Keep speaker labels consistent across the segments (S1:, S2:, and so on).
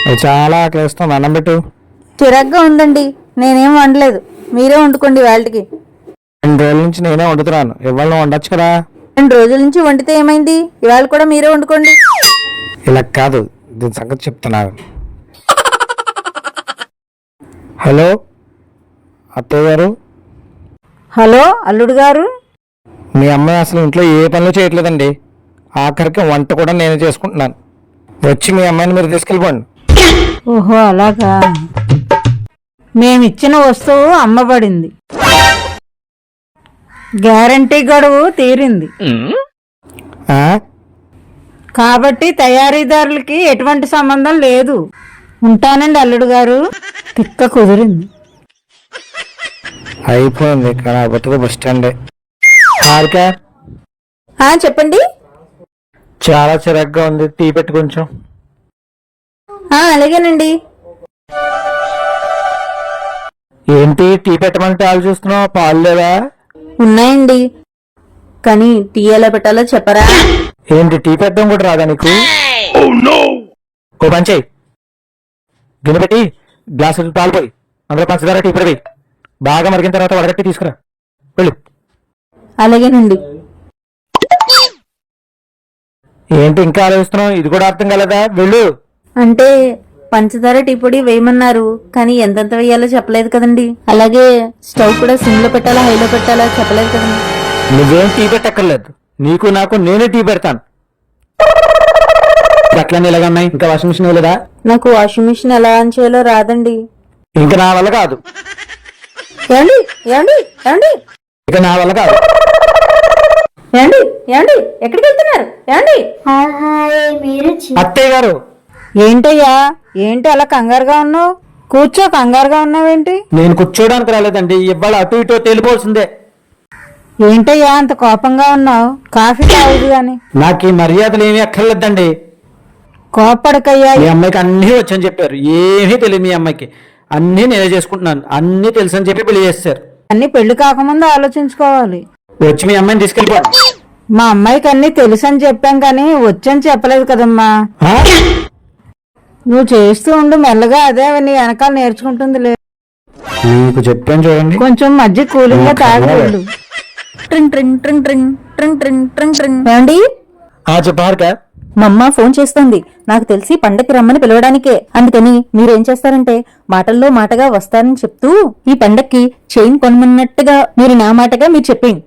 S1: చాలా ఆకలిస్తుంది, అన్నం పెట్టు.
S2: చిరాగ్గా ఉందండి, నేనేం వండలేదు, మీరే వండుకోండి. వాళ్ళకి
S1: 2 రోజుల నుంచి నేనే వండుతున్నాను, ఇవాళ వండొచ్చు కదా.
S2: 2 రోజుల నుంచి వండితే ఏమైంది, ఇవాళ కూడా మీరే వండుకోండి.
S1: ఇలా కాదు, దీని సంగతి చెప్తున్నాను. హలో అత్తయ్య గారు.
S2: హలో అల్లుడు గారు.
S1: మీ అమ్మాయి అసలు ఇంట్లో ఏ పనులు చేయట్లేదండి, ఆఖరికి వంట కూడా నేనే చేసుకుంటున్నాను. వచ్చి మీ అమ్మాయిని మీరు తీసుకెళ్ళిపోండి.
S2: ఓహో అలాగా. మేమిచ్చిన వస్తువు అమ్మబడింది, గ్యారంటీ గడువు తీరింది
S1: ఆ?
S2: కాబట్టి తయారీదారులకి ఎటువంటి సంబంధం లేదు. ఉంటానండి అల్లుడు గారు. తిక్క కుదిరింది.
S1: అయిపోయింది, కానీ బతుకు బస్ స్టాండే. హారిక,
S2: చెప్పండి.
S1: చాలా చిరాగ్గా ఉంది, టీ పెట్టి కొంచెం.
S2: అలాగేనండి.
S1: ఏంటి టీ పెట్టమంటే వాళ్ళు చూస్తున్నావు, పాలు లేవా?
S2: ఉన్నాయండి, కానీ టీ ఎలా పెట్టాలో చెప్పరా?
S1: ఏంటి టీ పెట్టడం కూడా రాదా నీకు? ఓ పని చెయ్యి, గిన్నె పెట్టి గ్లాసు పాలు పోయి అందులో పంచదార టీ పెట్టి బాగా మరిగిన తర్వాత వడగట్టి తీసుకురా, వెళ్ళు.
S2: అలాగేనండి.
S1: ఏంటి ఇంకా ఆలోచిస్తున్నావు, ఇది కూడా అర్థం కాలేదా? వెళ్ళు.
S2: అంటే పంచదార టీ పొడి వేయమన్నారు, కానీ ఎంతెంత వేయాలో చెప్పలేదు కదండి. అలాగే స్టవ్ కూడా సిమ్ లో పెట్టాలా హైలో పెట్టాలా చెప్పలేదు కదండి.
S1: నువ్వేం టీ పెట్టక్కర్లేదు, నీకు నాకు నేనే టీ పెడతాను. అట్లనే ఇలాగన్నాయి, ఇంకా వాషింగ్ మిషన్ లేదా?
S2: నాకు వాషింగ్ మిషన్ ఎలా ఆన్ చేయాలో రాదండి.
S1: ఇంకా నా వల్ల కాదు.
S2: ఏమండి ఏమండి ఏమండి
S1: ఇక నా వల్ల కాదు.
S2: ఏమండి ఏమండి ఎక్కడికి వెళ్తున్నారు? ఏమండి
S1: అత్తయ్య గారు.
S2: ఏంటయ్యా, ఏంటి అలా కంగారుగా ఉన్నావు? కూర్చో, కంగారుగా ఉన్నావేంటి?
S1: నేను కూర్చోడానికి రాలేదండి, ఇవాళ అటు ఇటు తేలిపోవాల్సిందే.
S2: ఏంటయ్యా అంత కోపంగా ఉన్నావు? కాఫీ తాగదు గాని.
S1: నాకు ఈ మర్యాదలు ఏమీ అక్కర్లేదండి.
S2: కోపడకయ్యా.
S1: మీ అమ్మాయికి అన్నీ వచ్చని చెప్పారు, ఏమీ తెలియదు మీ అమ్మాయికి. అన్నీ నేనే చేసుకుంటున్నాను, అన్నీ తెలుసు అని చెప్పి పెళ్లి చేస్తారు.
S2: అన్ని పెళ్లి కాకముందు ఆలోచించుకోవాలి.
S1: వచ్చి మీ అమ్మాయిని తీసుకెళ్ళిపోండి.
S2: మా అమ్మాయికి అన్ని తెలుసు అని చెప్పాం, కానీ వచ్చని చెప్పలేదు కదమ్మా.
S1: ఆ?
S2: నువ్వు చేస్తూ ఉండు, మెల్లగా అదే నీ వెనకాల నేర్చుకుంటుంది. లేదు
S1: మీకు చెప్పాను చూడండి.
S2: కొంచెం మధ్య కూలింగ్ గా తాగలేదు. ఏమండి?
S1: చెప్పారుక.
S2: మా అమ్మ ఫోన్ చేస్తోంది, నాకు తెలిసి పండక్కి రమ్మని పిలవడానికే. అందుకని మీరేం చేస్తారంటే మాటల్లో మాటగా వస్తారని చెప్తూ ఈ పండక్కి చైన్ కొనమన్నట్టుగా మీరు నా మాటగా మీరు చెప్పండి.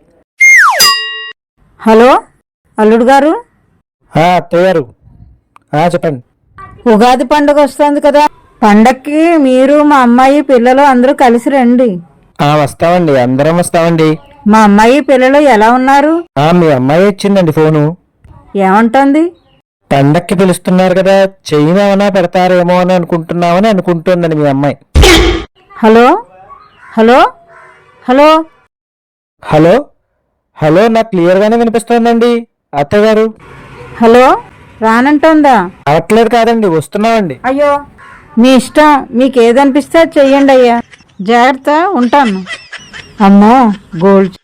S2: హలో అల్లుడు గారు.
S1: అత్తయ్య గారు, చెప్పండి.
S2: ఉగాది పండుగ వస్తుంది కదా, పండక్కి మీరు మా అమ్మాయి పిల్లలు అందరూ కలిసి రండి.
S1: వస్తామండి, అందరం వస్తామండి.
S2: మా అమ్మాయి పిల్లలు ఎలా ఉన్నారు?
S1: మీ అమ్మాయి ఇచ్చిందండి ఫోను.
S2: ఏమంటోంది?
S1: పండక్కి పిలుస్తున్నారు కదా, చైన్ ఏమైనా పెడతారేమో అని అనుకుంటున్నామని అనుకుంటుందండి మీ అమ్మాయి.
S2: Hello hello hello
S1: hello hello, నాకు క్లియర్ గానే వినిపిస్తోందండి అత్తయ్య గారు.
S2: హలో రానంటోందా?
S1: అవట్లేదు కాదండి, వస్తున్నామండి.
S2: అయ్యో మీ ఇష్టం, మీకు ఏదనిపిస్తే చెయ్యండి అయ్యా. జాగ్రత్త, ఉంటాను. అమ్మో గోల్డ్.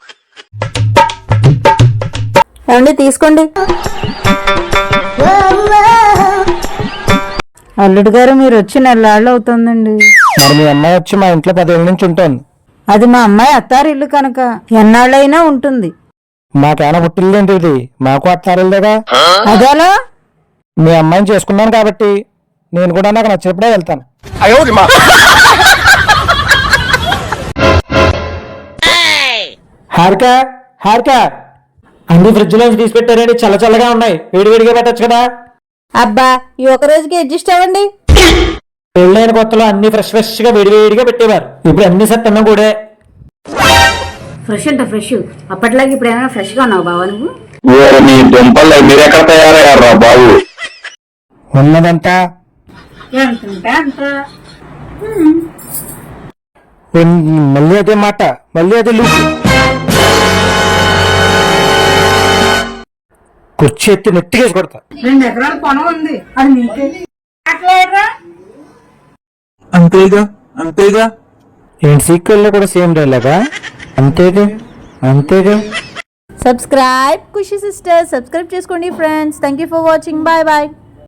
S2: ఏమండి తీసుకోండి. అల్లుడు గారు మీరు వచ్చి 4 నెలలు అవుతుందండి.
S1: మరి మీ అమ్మాయి వచ్చి మా ఇంట్లో 10 ఏళ్ళ నుంచి ఉంటుంది.
S2: అది మా అమ్మాయి అత్తారిల్లు కనుక ఎన్నాళ్ళైనా ఉంటుంది.
S1: మాకేమైనా పుట్టిల్లేంటి ఇది, మాకు అత్తారిల్లేగా.
S2: అదేలా?
S1: మీ అమ్మాయిని చేసుకున్నాను కాబట్టి నేను కూడా నాకు నచ్చినప్పుడే వెళ్తాను. హారిక, హారిక, అన్ని ఫ్రిడ్జ్ లోంచి తీసి పెట్టారండి, చల్ల చల్లగా ఉన్నాయి, వేడివేడిగా పెట్టచ్చు కదా.
S2: అబ్బా ఈ ఒక రోజుకి అడ్జస్ట్ అవ్వండి.
S1: పెళ్ళైన కొత్తలో అన్ని ఫ్రెష్ ఫ్రెష్ గా వేడివేడిగా పెట్టేవారు, ఇప్పుడు అన్ని సత్తన్నం కూడా.
S2: ఫ్రెష్ అంటే ఫ్రెష్, అప్పట్లాగే ఇప్పుడు ఏమైనా ఫ్రెష్ గా ఉన్నావు బావా నువ్వు?
S3: మీరెక్కడ తయారయ్యారా బాబు?
S1: ఉన్నదంతా మళ్ళీ అదే మాట, మళ్ళీ అదే లూపు. కుర్చీ ఎత్తి నెట్టికేసి కొడతా.
S2: 2 ఎకరాల పొలం ఉంది, అది నీకే.
S1: అంతేగా అంతేగా. ఏంటి సీక్వెల్ లో కూడా సేమ్ డైలాగా? అంతేగా అంతేగా.
S2: సబ్స్క్రైబ్ ఖుషి సిస్టర్, సబ్స్క్రైబ్ చేసుకోండి friends. Thank you for watching. Bye bye.